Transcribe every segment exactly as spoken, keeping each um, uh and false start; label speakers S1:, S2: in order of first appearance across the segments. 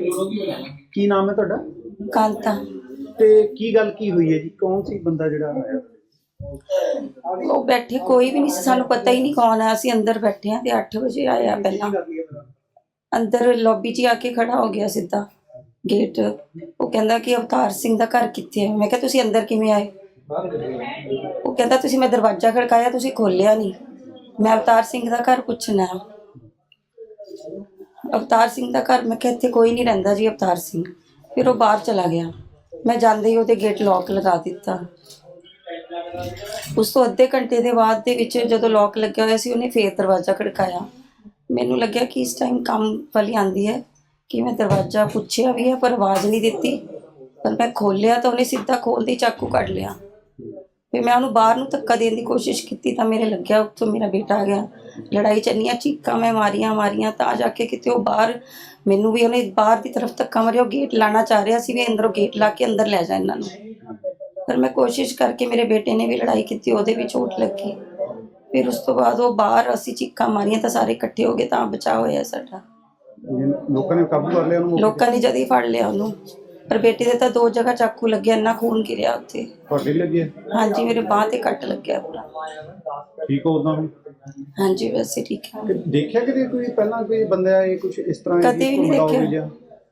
S1: ਕੀ ਨਾਮ ਹੈ ਤੁਹਾਡਾ?
S2: ਕਾਂਤਾ।
S1: ਤੇ ਕੀ ਗੱਲ ਕੀ ਹੋਈ ਹੈ ਜੀ? ਕੌਣ ਸੀ ਬੰਦਾ ਜਿਹੜਾ ਆਇਆ?
S2: ਉਹ ਬੈਠੇ ਕੋਈ ਵੀ ਨਹੀਂ ਸੀ, ਸਾਨੂੰ ਪਤਾ ਹੀ ਨਹੀਂ ਕੌਣ ਹੈ। ਅਸੀਂ ਅੰਦਰ ਬੈਠੇ ਹਾਂ ਤੇ ਅੱਠ ਵਜੇ ਆਇਆ। ਪਹਿਲਾਂ ਅੰਦਰ ਲੌਬੀ 'ਚ ਆ ਕੇ ਖੜਾ ਹੋ ਗਿਆ ਸਿੱਧਾ ਗੇਟ। ਉਹ ਕਹਿੰਦਾ ਕਿ ਅਵਤਾਰ ਸਿੰਘ ਦਾ ਘਰ ਕਿੱਥੇ ਹੈ? ਮੈਂ ਕਿਹਾ ਤੁਸੀਂ ਅੰਦਰ ਕਿਵੇਂ ਆਏ? ਉਹ ਕਹਿੰਦਾ ਤੁਸੀਂ, ਮੈਂ ਦਰਵਾਜ਼ਾ ਖੜਕਾਇਆ ਤੁਸੀਂ ਖੋਲਿਆ ਨਹੀਂ, ਮੈਂ ਅਵਤਾਰ ਸਿੰਘ ਦਾ ਘਰ ਪੁੱਛਣਾ। ਅਵਤਾਰ ਸਿੰਘ ਦਾ ਘਰ? ਮੈਂ ਕਿਹਾ ਇੱਥੇ ਕੋਈ ਨਹੀਂ ਰਹਿੰਦਾ ਜੀ ਅਵਤਾਰ ਸਿੰਘ। ਫਿਰ ਉਹ ਬਾਹਰ ਚਲਾ ਗਿਆ। ਮੈਂ ਜਾਂਦੇ ਹੀ ਉਹਦੇ ਗੇਟ ਲੌਕ ਲਗਾ ਦਿੱਤਾ। ਉਸ ਤੋਂ ਅੱਧੇ ਘੰਟੇ ਦੇ ਬਾਅਦ ਦੇ ਵਿੱਚ ਜਦੋਂ ਲੌਕ ਲੱਗਿਆ ਹੋਇਆ ਸੀ, ਉਹਨੇ ਫੇਰ ਦਰਵਾਜ਼ਾ ਖੜਕਾਇਆ। ਮੈਨੂੰ ਲੱਗਿਆ ਕਿ ਇਸ ਟਾਈਮ ਕੰਮ ਵਾਲੀ ਆਂਦੀ ਹੈ ਕਿ ਮੈਂ ਦਰਵਾਜ਼ਾ ਪੁੱਛਿਆ ਵੀ ਹੈ ਪਰ ਆਵਾਜ਼ ਨਹੀਂ ਦਿੱਤੀ। ਪਰ ਮੈਂ ਖੋਲ੍ਹਿਆ ਤਾਂ ਉਹਨੇ ਸਿੱਧਾ ਖੋਲ੍ਹਦੇ ਚਾਕੂ ਕੱਢ ਲਿਆ। ਫਿਰ ਮੈਂ ਉਹਨੂੰ ਬਾਹਰ ਨੂੰ ਧੱਕਾ ਦੇਣ ਦੀ ਕੋਸ਼ਿਸ਼ ਕੀਤੀ ਤਾਂ ਮੇਰੇ ਲੱਗਿਆ ਉੱਥੋਂ ਮੇਰਾ ਬੇਟਾ ਆ ਗਿਆ। ਲੜਾਈ ਚੱਲੀਆਂ, ਚੀਕਾਂ ਮੈਂ ਮਾਰੀਆਂ ਮਾਰੀਆਂ ਤਾਂ ਜਾ ਕੇ ਕਿਤੇ ਉਹ ਬਾਹਰ, ਮੈਨੂੰ ਵੀ ਉਹਨੇ ਬਾਹਰ ਦੀ ਤਰਫ ਧੱਕਾ ਮਾਰਿਆ। ਉਹ ਗੇਟ ਲਾਣਾ ਚਾਹ ਰਿਹਾ ਸੀ ਵੀ ਅੰਦਰੋਂ ਗੇਟ ਲਾ ਕੇ ਅੰਦਰ ਲੈ ਜਾ ਇਹਨਾਂ ਨੂੰ। ਪਰ ਮੈਂ ਕੋਸ਼ਿਸ਼ ਕਰਕੇ, ਮੇਰੇ ਬੇਟੇ ਨੇ ਵੀ ਲੜਾਈ ਕੀਤੀ, ਉਹਦੇ ਵੀ ਚੋਟ ਲੱਗੀ। ਫਿਰ ਉਸ ਤੋਂ ਬਾਅਦ ਉਹ ਬਾਹਰ, ਅਸੀਂ ਚੀਕਾਂ ਮਾਰੀਆਂ ਤਾਂ ਸਾਰੇ ਇਕੱਠੇ ਹੋ ਗਏ ਤਾਂ ਬਚਾਅ ਹੋਇਆ ਸਾਡਾ।
S1: ਲੋਕਾਂ ਨੇ ਕਾਬੂ ਕਰ ਲਿਆ ਉਹਨੂੰ?
S2: ਲੋਕਾਂ ਨੇ ਜਦ ਹੀ ਫੜ ਲਿਆ ਉਹਨੂੰ। ਪਰ ਬੇਟੇ ਦੇ ਤਾਂ ਦੋ ਜਗ੍ਹਾ ਚਾਕੂ ਲੱਗਿਆ, ਇੰਨਾ ਖੂਨ ਗਿਰਿਆ ਉੱਥੇ।
S1: ਤੁਹਾਡੇ ਲੱਗਿਆ?
S2: ਹਾਂਜੀ, ਮੇਰੇ ਬਾਂਹ ਤੇ ਕੱਟ ਲੱਗਿਆ ਪੂਰਾ।
S1: ਠੀਕ ਹੋ ਉਦਾਂ ਹੁਣ?
S2: ਹਾਂਜੀ ਵੈਸੇ ਠੀਕ ਹੈ।
S1: ਦੇਖਿਆ ਕਿਤੇ ਕੋਈ ਪਹਿਲਾਂ ਕੋਈ ਬੰਦਾ ਇਹ ਕੁਝ ਇਸ ਤਰ੍ਹਾਂ?
S2: ਕਦੇ ਵੀ ਨਹੀਂ ਦੇਖਿਆ।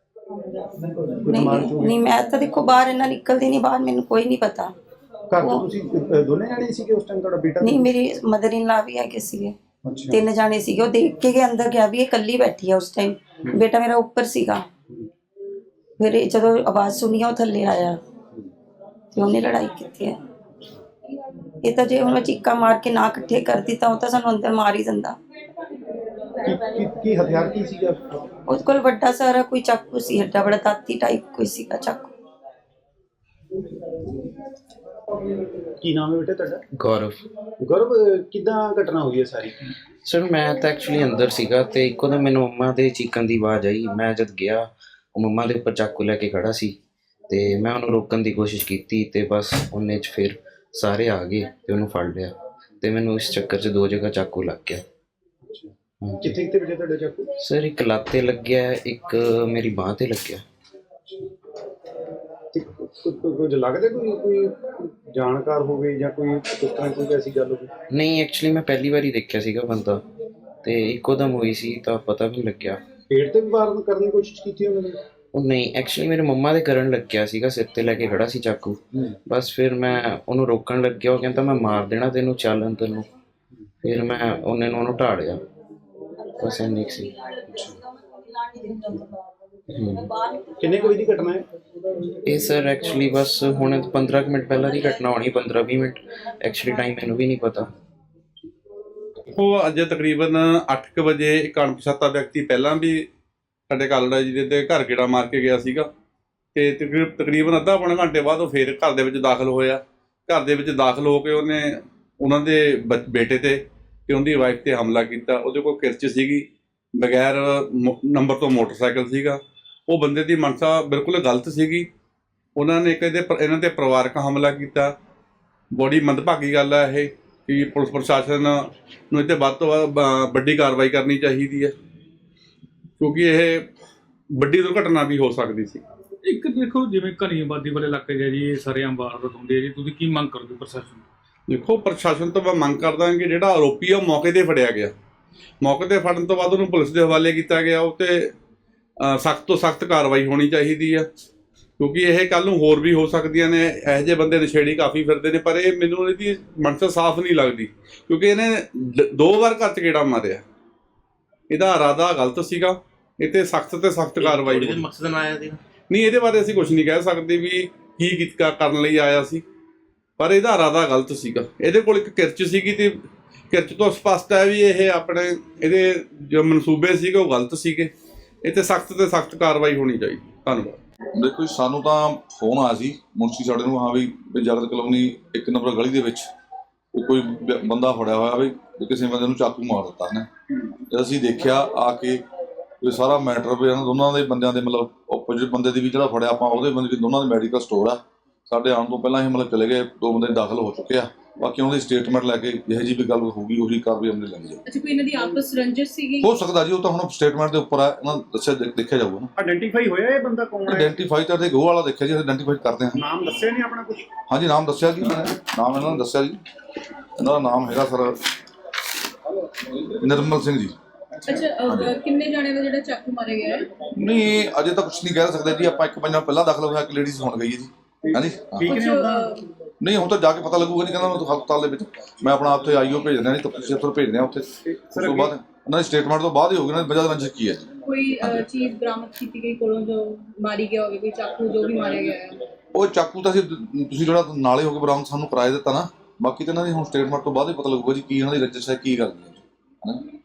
S2: ਨਹੀਂ ਨਹੀਂ, ਮੈਂ ਤਾਂ ਦੇਖੋ ਬਾਹਰ ਇੰਨਾ ਨਿਕਲਦੀ ਨਹੀਂ ਬਾਹਰ, ਮੈਨੂੰ ਕੋਈ ਨਹੀਂ ਪਤਾ।
S1: ਘਰ ਤੋਂ ਤੁਸੀਂ ਦੋਨੇ ਜਾਣੇ ਸੀਗੇ ਉਸ ਟਾਈਮ? ਤੁਹਾਡਾ ਬੇਟਾ?
S2: ਨਹੀਂ, ਮੇਰੀ ਮਦਰ ਇਨ ਲਾ ਵੀ ਹੈਗੇ ਸੀਗੇ। ਤਿੰਨ ਜਾਣੇ ਸੀਗੇ। ਉਹ ਦੇਖ ਕੇ ਗਏ ਅੰਦਰ ਗਿਆ ਵੀ ਇਹ ਇਕੱਲੀ ਬੈਠੀ ਆ ਉਸ ਟਾਈਮ। ਬੇਟਾ ਮੇਰਾ ਉੱਪਰ ਸੀਗਾ। ਫਿਰ ਜਦੋਂ ਆਵਾਜ਼ ਸੁਣੀ ਉਹ ਥੱਲੇ ਆਇਆ ਤੇ ਉਹਨੇ ਲੜਾਈ ਕੀਤੀ ਹੈ। ਇਹ ਤਾਂ ਜੇ ਹੁਣ ਚੀਕਾਂ ਮਾਰ ਕੇ ਨਾ ਇਕੱਠੇ ਕਰਦੀ ਤਾਂ ਉਹ ਤਾਂ ਸਾਨੂੰ ਅੰਦਰ ਮਾਰ ਹੀ ਦਿੰਦਾ।
S1: ਕੀ ਕੀ ਹਥਿਆਰ ਕੀ ਸੀਗਾ
S2: ਉਹਦੇ ਕੋਲ? ਵੱਡਾ ਸਾਰਾ ਕੋਈ ਚਾਕੂ ਸੀ, ਏਡਾ ਬੜਾ ਦਾਤੀ ਟਾਈਪ ਕੋਈ ਸੀਗਾ ਚਾਕੂ।
S1: ਕੀ ਨਾਮ ਹੈ ਬੇਟੇ ਤੁਹਾਡਾ?
S3: ਗੌਰਵ।
S1: ਗੌਰਵ, ਕਿੱਦਾਂ ਘਟਨਾ ਹੋਈ ਹੈ ਸਾਰੀ?
S3: ਸਰ ਮੈਂ ਤਾਂ ਐਕਚੁਅਲੀ ਅੰਦਰ ਸੀਗਾ ਤੇ ਇੱਕੋ ਦਮ ਮੈਨੂੰ ਮੰਮਾ ਦੇ ਚੀਕਣ ਦੀ ਆਵਾਜ਼ ਆਈ। ਮੈਂ ਜਦ ਗਿਆ, ਉਹ ਮੰਮਾ ਦੇ ਉੱਪਰ ਚਾਕੂ ਲੈ ਕੇ ਖੜਾ ਸੀ ਤੇ ਮੈਂ ਉਹਨੂੰ ਰੋਕਣ ਦੀ ਕੋਸ਼ਿਸ਼ ਕੀਤੀ ਤੇ ਬਸ ਉਹਨੇ 'ਚ ਫਿਰ ਸਾਰੇ ਆ ਗਏ ਤੇ ਉਹਨੂੰ ਫੜ ਲਿਆ ਤੇ ਮੈਨੂੰ ਇਸ ਚੱਕਰ 'ਚ ਦੋ ਜਗ੍ਹਾ ਚਾਕੂ ਲੱਗ ਗਿਆ।
S1: ਕਿੱਥੇ ਕਿੱਥੇ ਵੱਜਿਆ ਤੁਹਾਡਾ ਚਾਕੂ?
S3: ਸਰ ਇੱਕ ਲੱਤ ਤੇ ਲੱਗਿਆ, ਇੱਕ ਮੇਰੀ ਬਾਂਹ ਤੇ ਲੱਗਿਆ।
S1: ਕੁਝ ਲੱਗਦਾ ਕੋਈ ਕੋਈ ਜਾਣਕਾਰ ਹੋਵੇ ਜਾਂ ਕੋਈ ਇਸ ਤਰ੍ਹਾਂ ਕੋਈ ਐਸੀ ਗੱਲ ਹੋਵੇ?
S3: ਨਹੀਂ, ਐਕਚੁਅਲੀ ਮੈਂ ਪਹਿਲੀ ਵਾਰੀ ਦੇਖਿਆ ਸੀਗਾ ਬੰਦਾ ਤੇ ਇੱਕੋ ਦਮ ਹੋਈ ਸੀ ਤਾਂ ਪਤਾ ਵੀ ਲੱਗਿਆ।
S1: ਪੇਟ ਤੇ ਵੀ ਵਾਰ ਕਰਨ ਦੀ ਕੋਸ਼ਿਸ਼ ਕੀਤੀ ਉਹਨਾਂ ਨੇ?
S3: ਉਹ ਨਹੀਂ, ਐਕਚੁਅਲੀ ਮੇਰੇ ਮੰਮਾ ਦੇ ਕਰਨ ਲੱਗਿਆ ਸੀਗਾ, ਸਿਰ ਤੇ ਲੈ ਕੇ ਖੜਾ ਸੀ ਚਾਕੂ। ਬਸ ਫਿਰ ਮੈਂ ਉਹਨੂੰ ਰੋਕਣ ਲੱਗਿਆ, ਉਹ ਕਹਿੰਦਾ ਮੈਂ ਮਾਰ ਦੇਣਾ ਤੈਨੂੰ, ਚੱਲ ਅੰਦਰ ਨੂੰ। ਫਿਰ ਮੈਂ ਉਹਨੇ ਨੂੰ ਉਹਨੂੰ ਢਾੜਿਆ। ਬਸ ਇੰਨੀ ਕੁ ਸੀ।
S1: ਕਿੰਨੇ ਕੋਈ ਦੀ ਘਟਨਾ ਹੈ
S3: ਇਹ? ਸਰ ਐਕਚੁਅਲੀ ਬਸ ਹੁਣ ਪੰਦਰਾਂ ਕੁ ਮਿੰਟ ਪਹਿਲਾਂ ਦੀ ਘਟਨਾ ਹੋਣੀ, ਪੰਦਰਾਂ ਵੀਹ ਮਿੰਟ। ਐਕਚੁਅਲੀ ਟਾਈਮ ਮੈਨੂੰ ਵੀ ਨਹੀਂ ਪਤਾ।
S4: ਉਹ ਅੱਜ ਤਕਰੀਬਨ ਅੱਠ ਕੁ ਵਜੇ ਇੱਕ ਅਣਪਛਾਤਾ ਵਿਅਕਤੀ ਪਹਿਲਾਂ ਵੀ ਸਾਡੇ ਕਾਲੜਾ ਜੀ ਦੇ ਘਰ ਗੇੜਾ ਮਾਰ ਕੇ ਗਿਆ ਸੀਗਾ ਤੇ ਤਕਰੀਬ ਤਕਰੀਬਨ ਅੱਧਾ ਪੌਣਾ ਘੰਟੇ ਬਾਅਦ ਉਹ ਫੇਰ ਘਰ ਦੇ ਵਿੱਚ ਦਾਖਲ ਹੋਇਆ। ਘਰ ਦੇ ਵਿੱਚ ਦਾਖਲ ਹੋ ਕੇ ਉਹਨੇ ਉਹਨਾਂ ਦੇ ਬੇਟੇ ਤੇ ਤੇ ਉਹਦੀ ਵਾਈਫ ਤੇ ਹਮਲਾ ਕੀਤਾ। ਉਹਦੇ ਕੋਲ ਕਿਰਚ ਸੀਗੀ, ਬਗੈਰ ਨੰਬਰ ਤੋਂ ਮੋਟਰਸਾਈਕਲ ਸੀਗਾ। ਉਹ ਬੰਦੇ ਦੀ ਮਨਸਾ ਬਿਲਕੁਲ ਗਲਤ ਸੀਗੀ। ਉਹਨਾਂ ਨੇ ਇੱਕ ਇਹਦੇ ਇਹਨਾਂ ਤੇ ਪਰਿਵਾਰਕ ਹਮਲਾ ਕੀਤਾ। ਬੜੀ ਮੰਦਭਾਗੀ ਗੱਲ ਹੈ ਇਹ ਕਿ ਪੁਲਿਸ ਪ੍ਰਸ਼ਾਸਨ ਨੂੰ ਇਹ 'ਤੇ ਵੱਧ ਤੋਂ ਵੱਧ ਵੱਡੀ ਕਾਰਵਾਈ ਕਰਨੀ ਚਾਹੀਦੀ ਹੈ ਕਿਉਂਕਿ ਇਹ ਵੱਡੀ ਦੁਰਘਟਨਾ ਵੀ ਹੋ ਸਕਦੀ ਸੀ।
S5: ਇੱਕ ਦੇਖੋ, ਜਿਵੇਂ ਘਣੀ ਆਬਾਦੀ ਵਾਲੇ ਇਲਾਕੇ 'ਚ ਜੀ ਇਹ ਸਰੇਆਮ ਵਾਰਦਾਤ ਹੁੰਦੀ ਹੈ ਜੀ, ਤੁਸੀਂ ਕੀ ਮੰਗ ਕਰੋਗੇ ਪ੍ਰਸ਼ਾਸਨ?
S4: ਦੇਖੋ, ਪ੍ਰਸ਼ਾਸਨ ਤੋਂ ਮੈਂ ਮੰਗ ਕਰਦਾ ਕਿ ਜਿਹੜਾ ਆਰੋਪੀ ਆ ਉਹ ਮੌਕੇ 'ਤੇ ਫੜਿਆ ਗਿਆ। ਮੌਕੇ 'ਤੇ ਫੜਨ ਤੋਂ ਬਾਅਦ ਉਹਨੂੰ ਪੁਲਿਸ ਦੇ ਹਵਾਲੇ ਕੀਤਾ ਗਿਆ। ਉਹ 'ਤੇ ਸਖਤ ਤੋਂ ਸਖਤ ਕਾਰਵਾਈ ਹੋਣੀ ਚਾਹੀਦੀ ਆ ਕਿਉਂਕਿ ਇਹ ਕੱਲ੍ਹ ਨੂੰ ਹੋਰ ਵੀ ਹੋ ਸਕਦੀਆਂ ਨੇ। ਇਹੋ ਜਿਹੇ ਬੰਦੇ ਨਸ਼ੇੜੀ ਕਾਫੀ ਫਿਰਦੇ ਨੇ, ਪਰ ਇਹ ਮੈਨੂੰ ਇਹਦੀ ਮਨਸਾ ਸਾਫ਼ ਨਹੀਂ ਲੱਗਦੀ ਕਿਉਂਕਿ ਇਹਨੇ ਦੋ ਵਾਰ ਘਰ 'ਚ ਗੇੜਾ ਮਾਰਿਆ। ਇਹਦਾ ਇਰਾਦਾ ਗਲਤ ਸੀਗਾ। ਇਹ 'ਤੇ ਸਖਤ ਤੇ ਸਖਤ ਕਾਰਵਾਈ ਹੋਣੀ।
S5: ਮਕਸਦ ਨਾਲ ਆਇਆ ਸੀ?
S4: ਨਹੀਂ, ਇਹਦੇ ਬਾਰੇ ਅਸੀਂ ਕੁਝ ਨਹੀਂ ਕਹਿ ਸਕਦੇ ਵੀ ਕੀ ਕੀਤਾ ਕਰਨ ਲਈ ਆਇਆ ਸੀ, ਪਰ ਇਹਦਾ ਇਰਾਦਾ ਗਲਤ ਸੀਗਾ। ਇਹਦੇ ਕੋਲ ਇੱਕ ਕਿਰਚ ਸੀਗੀ ਤੇ ਕਿਰਚ ਤੋਂ ਸਪਸ਼ਟ ਹੈ ਵੀ ਇਹ ਆਪਣੇ ਇਹਦੇ ਜੋ ਮਨਸੂਬੇ ਸੀਗੇ ਉਹ ਗਲਤ ਸੀਗੇ। ਇਹ 'ਤੇ ਸਖਤ ਤੇ ਸਖਤ ਕਾਰਵਾਈ ਹੋਣੀ ਚਾਹੀਦੀ। ਧੰਨਵਾਦ।
S6: ਦੇਖੋ ਜੀ, ਸਾਨੂੰ ਤਾਂ ਫੋਨ ਆਇਆ ਸੀ ਮੁਨਸ਼ੀ ਸਾਡੇ ਨੂੰ, ਹਾਂ ਵੀ ਜਗਤ ਕਲੋਨੀ ਇੱਕ ਨੰਬਰ ਗਲੀ ਦੇ ਵਿੱਚ ਕੋਈ ਬੰਦਾ ਫੜਿਆ ਹੋਇਆ ਵੀ ਕਿਸੇ ਬੰਦੇ ਨੂੰ ਚਾਕੂ ਮਾਰ ਦਿੱਤਾ ਨੇ। ਜਦ ਅਸੀਂ ਦੇਖਿਆ ਆ ਕੇ ਇਹ ਸਾਰਾ ਮੈਟਰ ਵੀ ਇਹਨਾਂ ਦੋਨਾਂ ਦੇ ਬੰਦਿਆਂ ਦੇ ਮਤਲਬ ਓਪੋਜਿਟ ਬੰਦੇ ਦੀ ਵੀ ਜਿਹੜਾ ਫੜਿਆ ਆਪਾਂ ਉਹਦੇ ਬੰਦੇ ਦੀ ਦੋਨਾਂ ਦੇ ਮੈਡੀਕਲ ਸਟੋਰ ਆ। ਸਾਡੇ ਆਉਣ ਤੋਂ ਪਹਿਲਾਂ ਹੀ ਮਤਲਬ ਚਲੇ ਗਏ, ਦੋ ਬੰਦੇ ਦਾਖਲ ਹੋ ਚੁੱਕੇ ਆ ਬਾਕੀ ਉਹਨਾਂ ਦੀ ਸਟੇਟਮੈਂਟ ਲੈ ਕੇ ਜਿਹੋ ਜਿਹੀ ਵੀ ਗੱਲ ਹੋਊਗੀ ਉਹੀ ਕਾਰਵਾਈ ਅਮਲ ਲੈਣੀ ਜਾਊਗੀ।
S7: ਅੱਛਾ, ਕੋਈ ਇਹਨਾਂ ਦੀ ਆਪਸ ਰੰਜਿਸ਼ ਸੀਗੀ?
S6: ਹੋ ਸਕਦਾ ਜੀ, ਉਹ ਤਾਂ ਹੁਣ ਸਟੇਟਮੈਂਟ ਦੇ ਉੱਪਰ ਆ, ਉਹਨਾਂ ਨੂੰ ਦੱਸਿਆ ਦੇਖਿਆ ਜਾਊਗਾ ਨਾ।
S1: ਆਇਡੈਂਟੀਫਾਈ ਹੋਇਆ ਇਹ ਬੰਦਾ ਕੌਣ ਹੈ?
S6: ਆਇਡੈਂਟੀਫਾਈ ਤਾਂ ਤੇ ਗੋਹ ਵਾਲਾ ਦੇਖਿਆ ਜੀ, ਆਇਡੈਂਟੀਫਾਈ ਕਰਦੇ ਹਾਂ।
S1: ਨਾਮ ਦੱਸਿਆ ਨਹੀਂ ਆਪਣਾ ਕੁਝ?
S6: ਹਾਂਜੀ ਨਾਮ ਦੱਸਿਆ ਜੀ, ਮੈਂ ਨਾਮ ਇਹਨਾਂ ਨੇ ਦੱਸਿਆ ਜੀ, ਇਹਨਾਂ ਦਾ ਨਾਮ ਹੈਗਾ ਸਰ ਨਿਰਮਲ ਸਿੰਘ ਜੀ।
S7: ਅੱਛਾ, ਅਹ, ਕਿੰਨੇ ਜਾਣੇ ਦਾ ਜਿਹੜਾ ਚਾਕੂ ਮਾਰਿਆ ਗਿਆ ਹੈ?
S6: ਨਹੀਂ ਅਜੇ ਤਾਂ ਕੁਝ ਨਹੀਂ ਕਹਿ ਸਕਦੇ ਜੀ ਆਪਾਂ, ਇੱਕ ਪੰਜਾਂ ਪਹਿਲਾਂ ਦਾਖਲ ਹੋਇਆ, ਇੱਕ ਲੇਡੀਜ਼ ਹੁਣ ਗਈ ਹੈ ਜੀ। ਹਾਂਜੀ ਹਾਂ।
S1: ਠੀਕ ਨੇ
S7: ਕੁਛ,
S1: ਉਹਦਾ?
S7: ਅਹ,
S6: ਨਹੀਂ ਹੁਣ ਤਾਂ ਜਾ ਕੇ ਪਤਾ ਲੱਗੂਗਾ ਜੀ, ਕਹਿੰਦਾ ਮੈਂ ਹਸਪਤਾਲ ਦੇ ਵਿੱਚ ਮੈਂ ਆਪਣਾ ਉੱਥੇ ਆਈਓ ਭੇਜ ਦਿਆਂ ਜੀ, ਤਫਤੀਸ਼ ਅਫਸਰ ਭੇਜ ਦਿਆਂ ਉੱਥੇ, ਉਸ ਤੋਂ ਬਾਅਦ ਉਹਨਾਂ ਦੀ ਸਟੇਟਮੈਂਟ ਤੋਂ ਬਾਅਦ ਹੀ ਹੋਊਗੀ ਨਾ ਵਜ੍ਹਾ ਰੰਜਿਸ਼ ਕੀ ਹੈ ਜੀ।
S7: ਕੋਈ ਅਹ, ਚੀਜ਼ ਬਰਾਮਦ ਕੀਤੀ ਗਈ ਕੋਲੋਂ ਜੋ ਮਾਰੀ ਗਿਆ ਹੋਵੇ, ਕੋਈ ਚਾਕੂ ਜੋ ਵੀ ਮਾਰਿਆ ਗਿਆ ਹੈ?
S6: ਉਹ ਚਾਕੂ ਤਾਂ ਅਸੀਂ ਤੁਸੀਂ ਜਿਹੜਾ ਨਾਲੇ ਹੋ ਕੇ ਬਰਾਮਦ ਸਾਨੂੰ ਕਰਾਏ ਦਿੱਤਾ ਨਾ, ਬਾਕੀ ਤਾਂ ਇਹਨਾਂ ਦੀ ਹੁਣ ਸਟੇਟਮੈਂਟ ਤੋਂ ਬਾਅਦ ਹੀ ਪਤਾ ਲੱਗੂਗਾ ਜੀ ਕੀ ਇਹਨਾਂ ਦੀ ਰੰਜਿਸ਼ ਹੈ, ਕੀ ਗੱਲ ਹੈ।